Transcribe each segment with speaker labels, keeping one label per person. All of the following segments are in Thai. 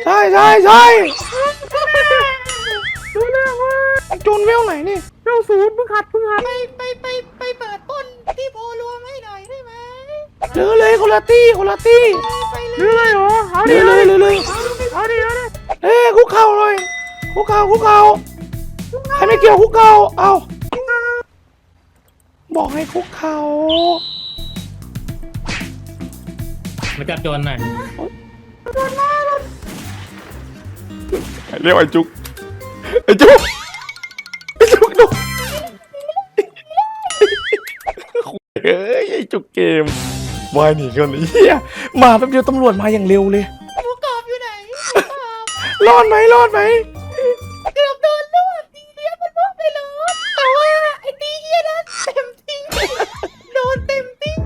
Speaker 1: ใช่ใช่ใช่ดูเรื่องว่าโจนเวลไหนนี่เวลศูนย์เพิ่งหัด
Speaker 2: ไปเปิดปล้นที่โพรวมให้หน่อยได้ไหม
Speaker 1: เลือเลยคนละตี้คนละตี้
Speaker 2: ไปเล
Speaker 1: เลือย เลยเหรอเอาดิเลยเอาดิเอ้คุกเข่าเลยคุกเข่าใครไม่เกี่ยวคุกเข่าเอาบอกให้คุกเข่า
Speaker 3: มาจับโจรหน่อย
Speaker 1: เรียกไอ้จุกดูเฮ้ยไอ้จุกเกมวายหนีกันเฮียมาแป๊บเดียวตำรวจมาอย่างเร็วเลย
Speaker 2: หมูกรอบอยู่ไหน
Speaker 1: รอดไหม
Speaker 2: เกือบโดนลวกดีเดียวมันลวกไปเลยแต่ว่าไอ้ดีเฮียนั้นเต็มที่โดนเต็มที่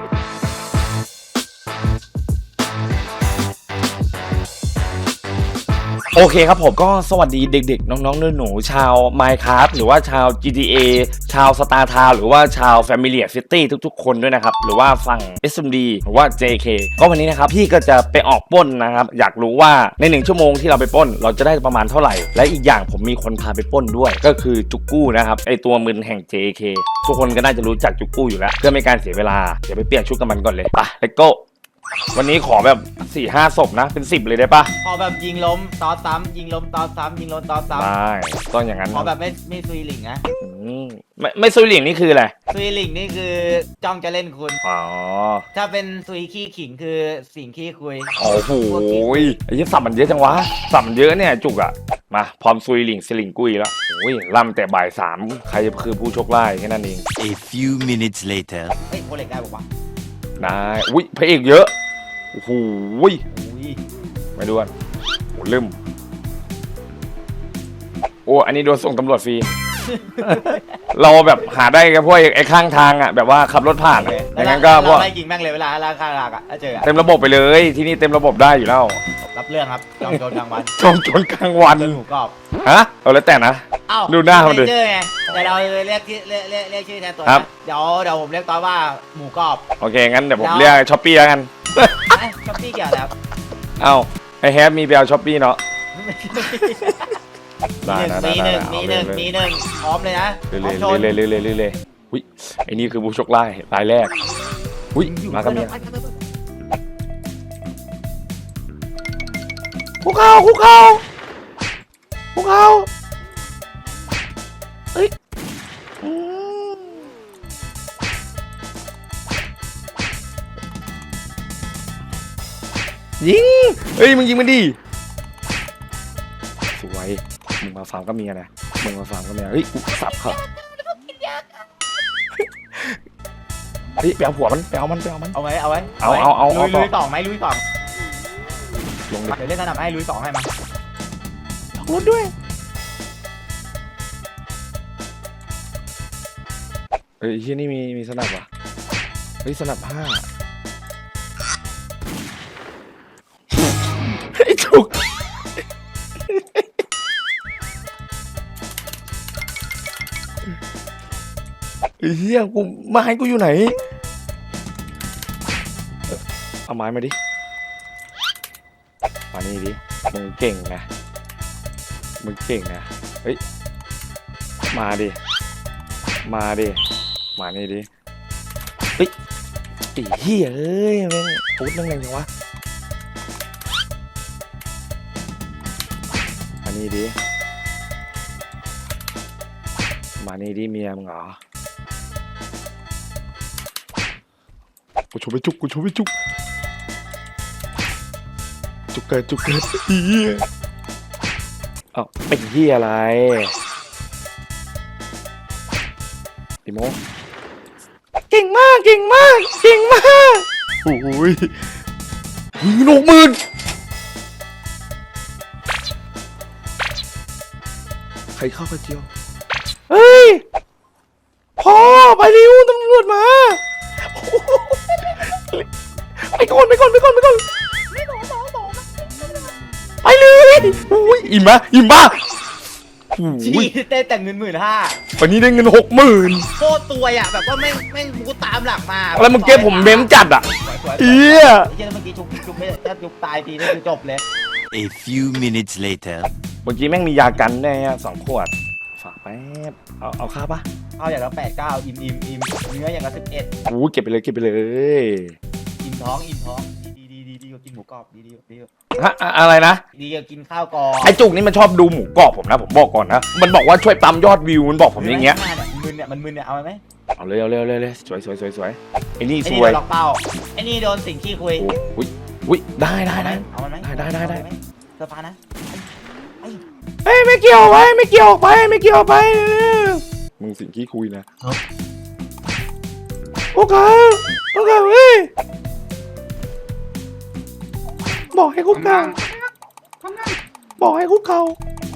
Speaker 1: โอเคครับผมก็สวัสดีเด็กๆน้องๆหนูๆชาว Minecraft หรือว่าชาว GTA ชาว Star Town หรือว่าชาว Familiar City ทุกๆคนด้วยนะครับหรือว่าฝั่ง SMD หรือว่า JK ก็วันนี้นะครับพี่ก็จะไปออกปล้นนะครับอยากรู้ว่าใน1ชั่วโมงที่เราไปปล้นเราจะได้ประมาณเท่าไหร่และอีกอย่างผมมีคนพาไปปล้นด้วยก็คือจุกกู้นะครับไอตัวมึนแห่ง JK ทุกคนก็น่าจะรู้จักจุกกู้อยู่แล้วเพื่อไม่การเสียเวลาเดี๋ยวไปเปลี่ยนชุดกับมันก่อนเลยไป let's go วันนี้ขอแบบ 4-5 ศพนะเป็น10เลยได้ปะ
Speaker 2: พอแบบยิงล้มตอซ้ำยิงล้มตอซ้ำยิงล้มตอซ้ำ
Speaker 1: ได้ต้องอย่างนั้น
Speaker 2: พอแบบไม่ซุยหลิงนะ
Speaker 1: ไม่ซุยเหลียงนี่คืออะไร
Speaker 2: ซุยหลิงนี่คือจ้องจะเล่นคุณ
Speaker 1: อ๋อ
Speaker 2: ถ้าเป็นซุยขี้ขิงคือสิ่งขี้คุย
Speaker 1: โอ้โหไอ้ยี่สับมันเยอะจังวะสับมันเยอะเนี่ยจุกอะมาพร้อมซุยหลิงสลิงกุ้ยแล้วโอ้ยล่ำแต่บ่าย3ใครคือผู้โชคร้ายแค่นั้นเอง
Speaker 4: A few minutes later.
Speaker 2: เฮ้ยโคเล็กได้บอกว่า
Speaker 1: ได้อุ้ยพระเอกเยอะโอ้โห
Speaker 2: อุ้ย
Speaker 1: ไม่ดูกันโอ้ลืมโอ้อันนี้โดนส่งตำรวจฟรี เราแบบหาได้กับพวกไอ้ข้างทางอะแบบว่าขับรถผ่านอย่างนั้นก็พวก
Speaker 2: เราไล่ยิงแม่งเลยเวลาราคาหลักอ่ะถ้าเจออะ
Speaker 1: เต็มระบบไปเลยที่นี่เต็มระบบได้อยู่แล้ว
Speaker 2: รับเรื่องครับจองโจรกลางวัน
Speaker 1: จอมโจรกลางวัน
Speaker 2: เป็นหมูกรอบ
Speaker 1: ฮะเอาแล้วแต่นะ
Speaker 2: เอ้า
Speaker 1: ดูหน้ามันดิ
Speaker 2: ไเจอไงแต่เราเรียกชื่อเรียกชื่อแทนตัว
Speaker 1: ครั
Speaker 2: นะ
Speaker 1: บ
Speaker 2: เดี๋ยวผมเรียกตอนว่าหมูกรอบ
Speaker 1: โอเคงั้นเดี๋ยวผมเรียกช้อปปี้แล้วกัน
Speaker 2: ช้อปปี้เกี่ยวแล้ว
Speaker 1: เอ้าไอแฮปมีไปเอาช้อปปี้เนาะ ได้
Speaker 2: มีหนึ่ง
Speaker 1: เอา
Speaker 2: มีหนึ่ง
Speaker 1: เลย
Speaker 2: มีหนึ่งพร้อมเลยนะ
Speaker 1: เรื่
Speaker 2: พร้อมชน
Speaker 1: อยๆเรื่อยๆเรื่อยๆอุ้ยไอนี่คือผู้โชคร้ายรายแรกอุ้ยมากับเมียคุกเข่าเฮ้ยยิงเฮ้ยมึงยิงมันดิสวยมึงมาฟาร์มก็เมียนะเฮ้ยกูสับเขาเฮ้ยไปเอาผัวมันไปเอามัน
Speaker 2: เอาไว้
Speaker 1: เอา
Speaker 2: ลุยต่อไหมลุยต่อ
Speaker 1: ลงดิ
Speaker 2: เดี๋ยวเล่นสนามให้ลุยต่อให้มา
Speaker 1: รถด้วยเฮ้ยที่นี่มีสนับว่ะเฮ้ยสนับ5ไอ้จุกไอ้เหี้ยกูไม้กูอยู่ไหนเอาไม้มาดิมานี่ดิมึงเก่งนะเฮ้ยมาดิมานี่ดิเฮ้ยไอ้เหี้ยเอ้ยแม่งปุ๊ดนั่งไงจังวะมานี่ดิเมียมึงเหรอกูชมไปจุกเกิดเหี้ยเอ้าเป็นเหี้ยอะไรดิโมเก่งมากโอ้ย10,000ใครเข้ากระเจียวเฮ้ยพ่อไปเร็วตำรวจมาไปก่อนไปเลยอุ้ยอิ่มป่ะ
Speaker 2: ชี้ได้แต่เงิน15,000
Speaker 1: วันนี้ได้เงิน60,000
Speaker 2: โคตรตัวอ่ะแบบว่าแม่งกูตามหลักมา
Speaker 1: แล้วมึงเก็บผมเม้มจัดอ่ะ
Speaker 2: สวย
Speaker 1: เอี้ย
Speaker 2: เมื่อกี้ชุบไม่ถ้าชุบตายทีนี่คือจบเลย
Speaker 4: A few minutes later.
Speaker 1: เมื่อกี้แม่งมียากันได้อะ2 ขวด ฝากแป๊บเอาค่าปะ
Speaker 2: เอาอย่างละ8-9อิ่มเนื้ออย่างละ11
Speaker 1: อู้เก็บไปเลยเก็บไปเลย
Speaker 2: อิ่มท้องดีกว่ากินหมูกรอบดีกว่า
Speaker 1: ฮะอะไรนะ
Speaker 2: ดีกว่ากินข้าวกรอบ
Speaker 1: ไอจุกนี่มันชอบดูหมูกรอบผมนะผมบอกก่อนนะมันบอกว่าช่วยปั๊มยอดวิวมันบอกผมอย่างเงี้ย
Speaker 2: มันมึนเนี่ยเอาไหม
Speaker 1: เอาเลยสวยไอ้นี่
Speaker 2: ไอ้
Speaker 1: ส
Speaker 2: นี่
Speaker 1: วย
Speaker 2: โดนล็อกเป้าไอ้นี่โดนสิ่งขี้คุย
Speaker 1: อุ้ยได้
Speaker 2: เอามันไหม
Speaker 1: ได้
Speaker 2: เสื้อผ้านะ
Speaker 1: เฮ้ยไม่เกี่ยวไปไม่เกี่ยวไปมึงสิ่งที่คุยนะโอเคเฮ้ยบอกให้คุกเข่าบอกให้คุกเข่า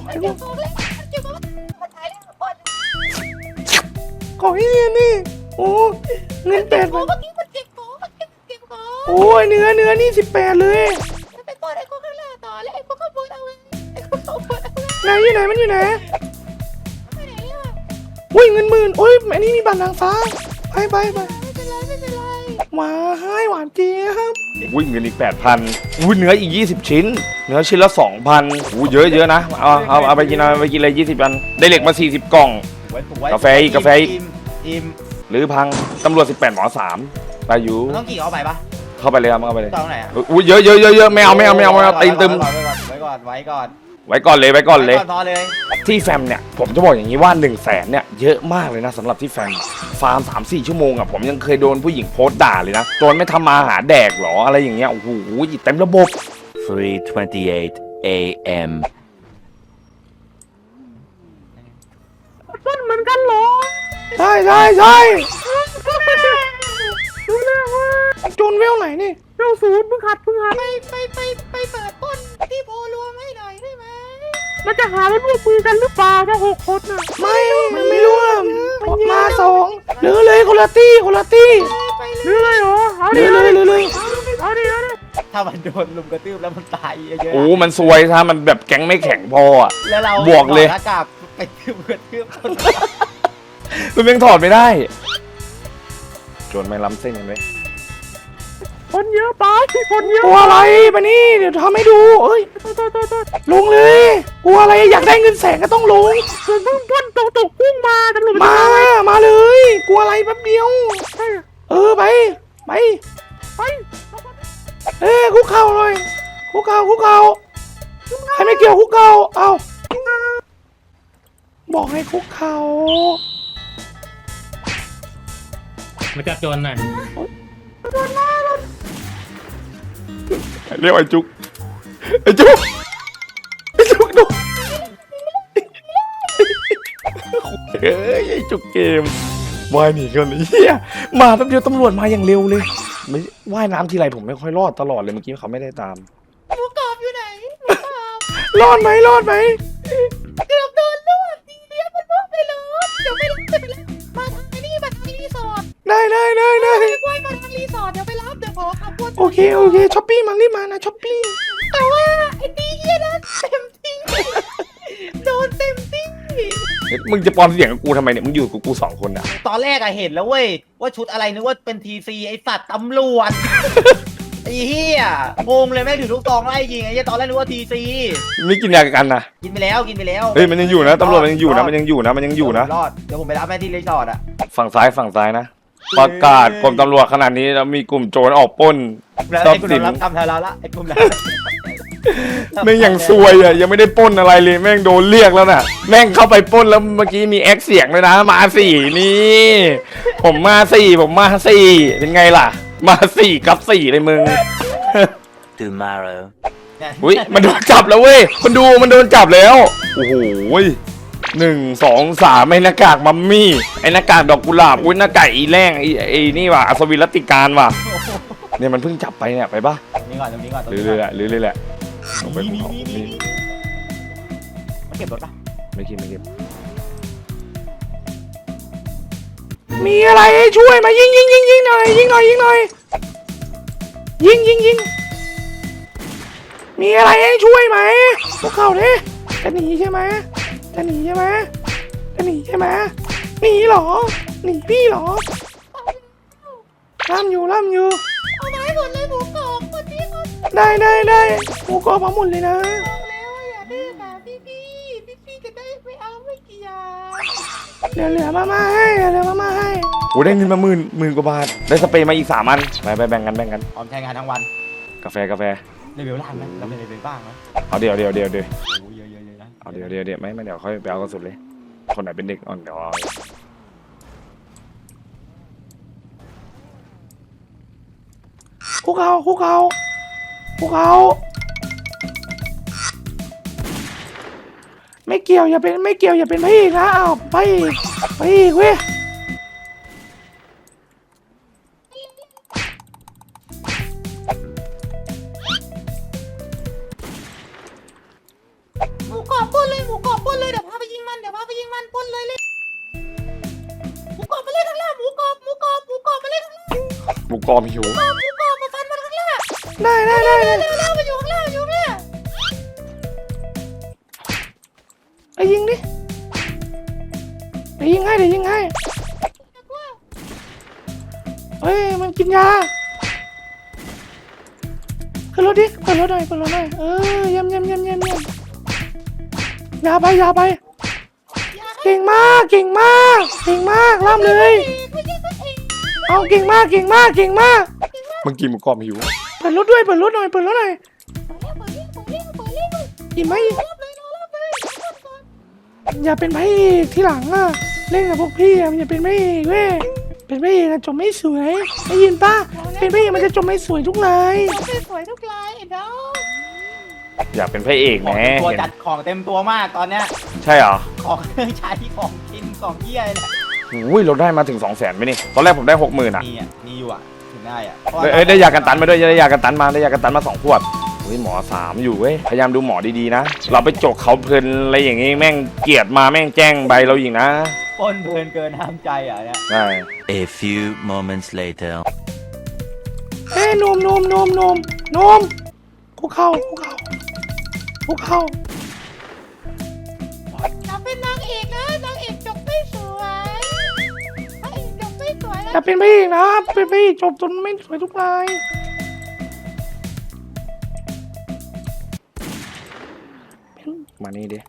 Speaker 1: ขอให้เนียนนี่โอ้เงิน8
Speaker 2: เมื่อกี้มันเก็บของ
Speaker 1: โอ้ยเนื้อนี่18เลย
Speaker 2: ไปกดไอ้พวกข้างล่างต่อแล้วไอ้พวกข้างบนเอาไว้ไอ้พวกข้างบนเอาไว้
Speaker 1: ไหนอยู่ไหนมันอยู่ไหน
Speaker 2: ไปไหนอ่ะ
Speaker 1: อุ้ยเงิน10,000โอ้ยอันนี้มีบัตรนางฟ้าไป
Speaker 2: ไม่เป็นไร
Speaker 1: มาให้หวานเจี๊ยบอุ้ยเงินอีก 8,000อุ้ยเนื้ออีก20 ชิ้นเนื้อชิ้นละ 2,000อู้เยอะนะเอาไปกินเลย20 อันได้เหล็กมา40 กล่อง กาแฟอีก
Speaker 2: อิ่ม
Speaker 1: หรือพังตำรวจ18หมอ3ไปอยู่
Speaker 2: มันต้องกี่เข้าไปปะ
Speaker 1: เข้าไปเลยครับเข้าไปเลย
Speaker 2: ตอนไหนอ่ะ
Speaker 1: อุ้ยเยอะไม่เอาตีนตึม
Speaker 2: ไว้ก่อน
Speaker 1: ไว้ก่อนเลย
Speaker 2: พอเลย
Speaker 1: ที่แฟมเนี่ยผมจะบอกอย่างนี้ว่า100,000เนี่ยเยอะมากเลยนะสำหรับที่แฟมฟาร์ม 3-4 ชั่วโมงอ่ะผมยังเคยโดนผู้หญิงโพสต์ด่าเลยนะโจนไม่ทำมาหาแดกหรออะไรอย่างเงี้ยโอ้โหเต็มระบบ
Speaker 4: 3:28 a.m.
Speaker 2: ต้นเหมือนกันเหรอ
Speaker 1: ใช่โจนเวลไหนนี่
Speaker 2: เจ้าศูนย์เพิ่งหัดไปเปิดต้นที่โพรวมให้หน่อยได้ไหมมันจะหาว่าร่วมมือกันหรือเปล่าถ้า6 คนน่ะ
Speaker 1: ไม่ร่วมมา2หรือเลยคนละตี้
Speaker 2: หรือเลยเหรอเอา
Speaker 1: ห
Speaker 2: ดิ
Speaker 1: รือเลย
Speaker 2: เอาดิถ้ามันโดนลุมกระทืบแล้วมันตายเยอะ
Speaker 1: โอ้มันซวยถ้ามันแบบแก๊งไม่แข็งพออ่ะ
Speaker 2: แล้วเรา
Speaker 1: บวกเลย
Speaker 2: หน้ากากไปกระทืบคน
Speaker 1: มันยังถอดไม่ได้โจนไม่ล้ำเส้นกันไหม
Speaker 2: คนเยอะไปคนเยอะ
Speaker 1: กลัวอะไรปะนี่เดี๋ยวทำให้ดูเอ้ยลงเลยกลัวอะไรอยากได้เงิน100,000ก็ต้องลง
Speaker 2: ส่วนเพิ่งต้นตกกุ้งมาตำรวจ
Speaker 1: มาเลย กลัวอะไรแป๊บเดียวไปคุกเข่าเลยคุกเข่าใครไม่เกี่ยวคุกเข่าเอาบอกให้คุกเข่า
Speaker 3: มาจับโจรหน่อย
Speaker 1: เรียกไอ้จุกดูเฮ้ยไอ้จุกเกมว่ายหนีกันเลยเฮียมาแป๊บเดียวตำรวจมาอย่างเร็วเลยไม่ว่ายน้ำทีไรผมไม่ค่อยรอดตลอดเลยเมื่อกี้เขาไม่ได้ตาม
Speaker 2: หมูกรอบอยู่ไหน
Speaker 1: รอดไหม
Speaker 2: เกือบโดนลวกทีเดียวมันลวกไปเลยเดี๋ยวไปรับมาทางนี้มาทางรีสอร์ท
Speaker 1: ได้
Speaker 2: ไว้มาทางรีสอร์ทเดี๋ยวไปรับเดี๋ยวขอขับวน
Speaker 1: โอเคช้อปปี้มันรีบมานะช้อปปี้
Speaker 2: แต่ว่าไอ้ดีเยี่ยนะเต็มที่โดนเต็มที่
Speaker 1: มึงจะปลอมเสียงกับกูทำไมเนี่ยมึงอยู่กับกู2 คนอ่ะ
Speaker 2: ตอนแรกอะเห็นแล้วเว้ยว่าชุดอะไรนึกว่าเป็นทีซีไอสัตว์ตำรวจ ไอ้เหี้ยงงเลยแม่งถือลูกซองไล่ยิงไอ้เหี้ยตอนแรกนึกว่าทีซี
Speaker 1: ไม่กินยากันนะ
Speaker 2: กินไปแล้ว
Speaker 1: เฮ้ยมันยังอยู่นะตำรวจมันยังอยู่นะ
Speaker 2: รอดเดี๋ยวผมไปรับแม่ที่รีสอร์ทอะ
Speaker 1: ฝั่งซ้ายนะประกาศกรมตำรวจขนาดนี้แล้วมีกลุ่มโจรออกปล้น
Speaker 2: แล้ว
Speaker 1: ทรั
Speaker 2: ไอ้
Speaker 1: พ
Speaker 2: กลุ่
Speaker 1: ย์สิน
Speaker 2: มรับกรรมแทนเราละไอ้กลุ่มนั้น
Speaker 1: แม่งยังซวยอ่ะยังไม่ได้ปล้นอะไรเลยแม่งโดนเรียกแล้วน่ะแม่งเข้าไปปล้นแล้วเมื่อกี้มีแอคเสียงเลยนะมา4นี่ผมมา4เป็นไงล่ะมา4กับ4เลยมึง
Speaker 4: Tomorrow.
Speaker 1: อุ้ยมันโดนจับแล้วเว้ยคนดูมันโดนจับแล้วโอ้โห1 2 3ไอ้หน้ากากมัมมี่ไอ้หน้ากากดอกกุหลาบอุ้ยหน้ากากอีแรงไอ้นี่ว่ะอัศวินรัตติการว่ะเนี่ยมันเพิ่งจับไปเนี่ยไปปะ
Speaker 2: ตรงนี้ก่อน
Speaker 1: หรือเลยแหละลงไปภูเขานี่
Speaker 2: มันเก็บรถปะ
Speaker 1: ไม่คิดมีอะไรให้ช่วยมายิงหน่อยยิงมีอะไรให้ช่วยไหมพวกเขาเนี่ยจะหนีใช่ไหมหนีเหรอหนีพี่เหรอล่ำอยู่
Speaker 2: เอาไม้หมดเลยหมูกรอบคนนี้คน
Speaker 1: ได้หมูกรอบมาหมดเลยนะ
Speaker 2: บอกแล้วว่าอย่าดื้อนะพี่จะได้ไม่เอาไม่เกี่ยว
Speaker 1: เหลือมาให้โอ้ได้เงินมาหมื่นกว่าบาทได้สเปรย์มาอีก3 อันไปแบ่งกัน
Speaker 2: ออมใช้งานทั้งวัน
Speaker 1: กาแฟ
Speaker 2: เลเวลล่างไหมเราเป็นเลเวลบ้างไหม
Speaker 1: เอาเดี๋ยว
Speaker 2: โอ้ยเยอะนะ
Speaker 1: เอาเดี๋ยวไม่เดี๋ยวค่อยไปเอากระสุนเลยคนไหนเป็นเด็กอ่อนเดี๋ยวเอาคุกเขาไม่เกี่ยวอย่าเป็นพระเอกนะอ้าวพระเอกเว้ย
Speaker 2: หมูกรอบปล้นเลยเดี๋ยวพาไปยิงมันปล้นเลยหมูกรอบมาเลยข้างล่างหมูกรอบมาเลยข้างล่าง
Speaker 1: หมูกรอบหิว
Speaker 2: หมูกรอบมาฟันมันข้างล่าง
Speaker 1: ได้
Speaker 2: เร็วมาอยู่ข้างล่างเนี่ย
Speaker 1: ไอ้ยิงดิเดี๋ยวยิงให้เฮ้ยมันกินยาขึ้นรถดิเปิดรถหน่อยเยี่ยมยาไปเก่งมากล่ำเลยเอาเก่งมากเมื่อกี้หมูกรอบหิวเปิดรถหน่อยอิ่มไหมอย่าเป็นพระเอกที่หลังอ่ะเล่นกับพวกพี่อ่ะอย่าเป็นพระเอกเว้ยเป็นพระเอกจบไม่สวยได้ยินป่ะเป็นพระเอกมันจะจบไม่สวยทุกนาย
Speaker 2: สวยทุกลายน้อง
Speaker 1: อยากเป็นพระเอกแหม
Speaker 2: ตัวจัดของเต็มตัวมากตอนเนี้ย
Speaker 1: ใช่เหรอ
Speaker 2: ของเครื่องใช้ของกินของเยี่ยเนี่ย
Speaker 1: อุ้ยเราได้มาถึง 200,000ไหมนี่ตอนแรกผมได้ 60,000อ่ะ
Speaker 2: มีอยู่อ่ะถึงได้อ่ะ
Speaker 1: ได้ยากันตันมาด้วยได้ยากันตันมา2 ขวดอุ้ยหมอ3อยู่เว้ยพยายามดูหมอดีๆนะเราไปจกเขาเพลินอะไรอย่างงี้แม่งเกลียดมาแม่งแจ้งใบเราอีกนะ
Speaker 2: ปล้นเพลินเกินห้ามใจอ่ะเนี่ย
Speaker 1: ใช่
Speaker 4: A few moments later.
Speaker 1: เอ้ยนมคุกเข่า
Speaker 2: จะเป็นนางเอกนะนางเอกจบไม่สวยนางเอกจบไม่สวย
Speaker 1: อย่าเป็นพระเอกนะเป็นพระเอกจบจนไม่สวยทุกรายมานี่ดิ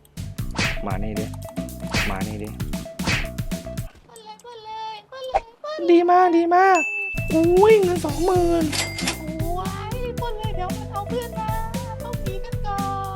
Speaker 1: ดีมากอุ้ยเงิน 20,000
Speaker 2: โอ้ยปล้นเลยเดี๋ยวมันเอาเพื่อนมาต้องหนีกันก่อน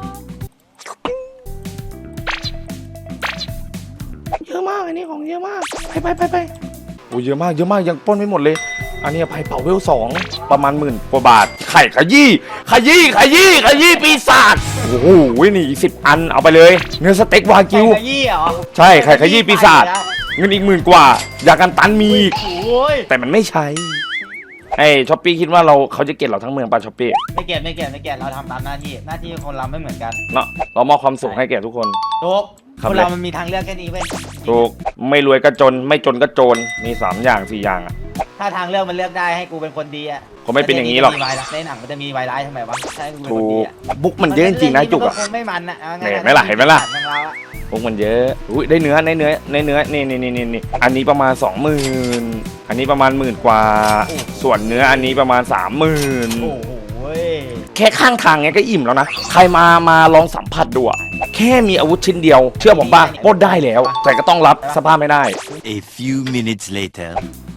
Speaker 1: เยอะมากอันนี้ของเยอะมากไปโอ้เยอะมากยังปล้นไม่หมดเลยอันนี้ไพ่เป่าเวล2ประมาณ10,000 กว่าบาทไข่ขยี้ปีศาจโอ้โหนี่อีก10 อันเอาไปเลยเนื้อสเต็กวากิว
Speaker 2: ไข่ขยี้เหรอ
Speaker 1: ใช่ไข่ขยี้ปีศาจเงินอีก10,000 กว่ายากันตันมีอีก
Speaker 2: โอ้ย
Speaker 1: แต่มันไม่ใช้ไอ้ช้อปปี้คิดว่าเขาจะเก็บเราทั้งเมืองป่ะช้อปปี้
Speaker 2: ไม่เกลียดเราทำตามหน้าที่คนเราไม่เหมือนกัน
Speaker 1: เนาะเรามอบความสุขให้แก่ทุกคน
Speaker 2: ทุก
Speaker 1: ครับ
Speaker 2: คนเรามันมีทางเลือกแค่นี้เว้ย
Speaker 1: ถูกไม่รวยก็จนไม่จนก็โจรมี3 อย่าง 4 อย่างอ่ะ
Speaker 2: ถ้าทางเลือกมันเลือกได้ให้กูเป็นคนดีอะ
Speaker 1: ผมไม่เป็นอย่างนี้หรอก
Speaker 2: ในหนังมันจะมีวายร้ายทำไมวะใช่กูเป็น
Speaker 1: ถู
Speaker 2: คนดี
Speaker 1: ก
Speaker 2: อะ
Speaker 1: บุ๊กมันเยอะจริงๆนะจุกอ่ะ
Speaker 2: คงไม่มันอะอาง่ายๆ
Speaker 1: เห็นไหมล่ะ
Speaker 2: ทางเราอะ
Speaker 1: บุ๊กมันเยอะอุ้ยได้เนื้อนี่อันนี้ประมาณ 20,000อันนี้ประมาณ10,000 กว่า ส่วนเนื้ออันนี้ประมาณ 30,000
Speaker 2: โอ้โหเว้ย
Speaker 1: แค่ข้างทางเนี้ยก็อิ่มแล้วนะใครมาลองสัมผัสดูอะแค่มีอาวุธชิ้นเดียว เชื่อผมป่ะปล้นได้แล้ว แต่ก็ต้องรับสภาพไม่ได้
Speaker 4: A few minutes later.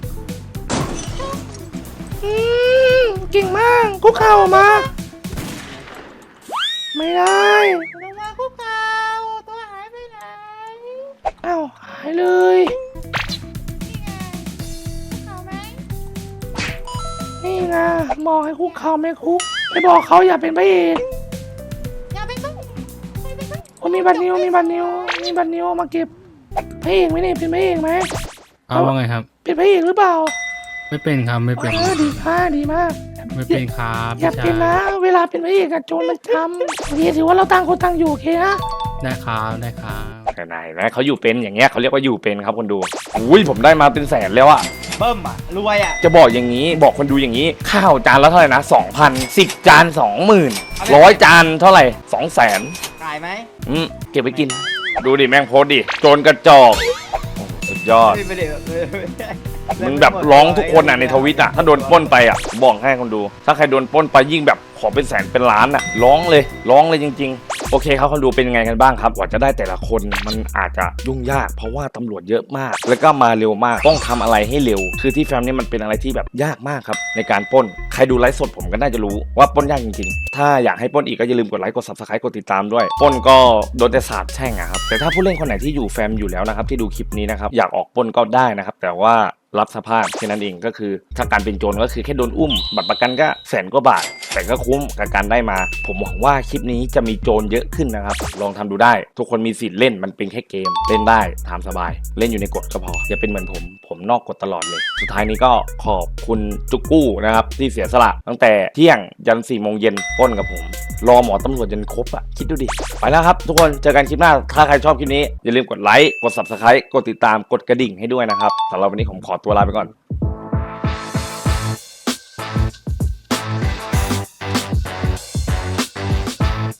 Speaker 1: เก่งมากคุกเข่ามาไม่ได้
Speaker 2: ลงมาคุกเข่าตัวหายไปไหน
Speaker 1: อ้าวหายเลย
Speaker 2: นี่ไงคุกเข่าไหม
Speaker 1: นี่ไงบอกให้คุกเข่าไม่คุกไปบอกเขาอย่าเป็นพระเอก
Speaker 2: อย่าไปต้อง
Speaker 1: โอ้มีบัตรนิ้วมาเก็บพระเอกไหมเนี่ยเป็นพระเอกไหม
Speaker 3: เอาว่าไงครับ
Speaker 1: เป็นพระเอกหรือเปล่า
Speaker 3: ไม่เป็นครับไม่เป็น
Speaker 1: ดีมาก
Speaker 3: ไม่เป็นครับ
Speaker 1: อย่าเป็นนะเวลาเป็นพระเอกอะโจรมันทำโอเคถือว่าเราต่างคนต่างอยู่โอเคนะ
Speaker 3: ได้ครับได้ครับ
Speaker 1: ไหนเขาอยู่เป็นอย่างเงี้ยเขาเรียกว่าอยู่เป็นครับคนดูอุ้ยผมได้มาเป็นแสนแล้วอะ
Speaker 2: เบิ้มอะรวยอะ
Speaker 1: จะบอกอย่างนี้บอกคนดูอย่างนี้ข้าวจานละเท่าไหร่นะ 2,000 10 จาน 20,000 100 จานเท่าไหร่ 200,000
Speaker 2: ขายไหม
Speaker 1: เก็บไปกิน ดูดิแม่งโพสดิโจรกระจอกโอ้สุดยอด
Speaker 2: ไม่ได้
Speaker 1: มึงแบบร้องทุกคนอ่ะในทวิตอ่ะถ้าโดนปล้นไปอ่ะบอกให้คนดู ถ้าใครโดนปล้นไปยิ่งแบบขอเป็นแสนเป็นล้านอ่ะร้องเลยจริงๆโอเคครับคนดูเป็นยังไงกันบ้างครับกว่าจะได้แต่ละคนมันอาจจะยุ่งยากเพราะว่าตำรวจเยอะมากแล้วก็มาเร็วมากต้องทำอะไรให้เร็วคือที่แฟมนี่มันเป็นอะไรที่แบบยากมากครับในการปล้นใครดูไลฟ์สดผมก็น่าจะรู้ว่าปล้นยากจริงๆถ้าอยากให้ปล้นอีกก็อย่าลืมกดไลค์กด Subscribe กดติดตามด้วยปล้นก็โดนแต่สาบแช่งอะครับแต่ถ้าผู้เล่นคนไหนที่อยู่แฟมอยู่แล้วนะครับที่ดูคลิปนี้นะครับอยากออกปล้นก็ได้นะครับแต่ว่ารับสภาพแค่นั้นเองก็คือถ้าการเป็นโจรก็คือแค่โดนอุ้มบัตรประกันก็แสนกว่าบาทแต่ก็คุ้มกับการได้มาผมหวังว่าคลิปนี้จะมีโจรเยอะขึ้นนะครับลองทำดูได้ทุกคนมีสิทธิ์เล่นมันเป็นแค่เกมเล่นได้ตามสบายเล่นอยู่ในกฎก็พออย่าเป็นเหมือนผมนอกกฎตลอดเลยสุดท้ายนี้ก็ขอบคุณจุกกู้นะครับที่เสียสละตั้งแต่เที่ยงยัน4 โมงเย็นปล้นกับผมรอหมอตำรวจจนครบอ่ะคิดดูดิไปแล้วครับทุกคนเจอกันคลิปหน้าถ้าใครชอบคลิปนี้อย่าลืมกดไลค์กด Subscribe กดติดตามกดกระดิ่งให้ด้วยนะครับสำหรับวันนี้ผมขอตัวลาไปก่อน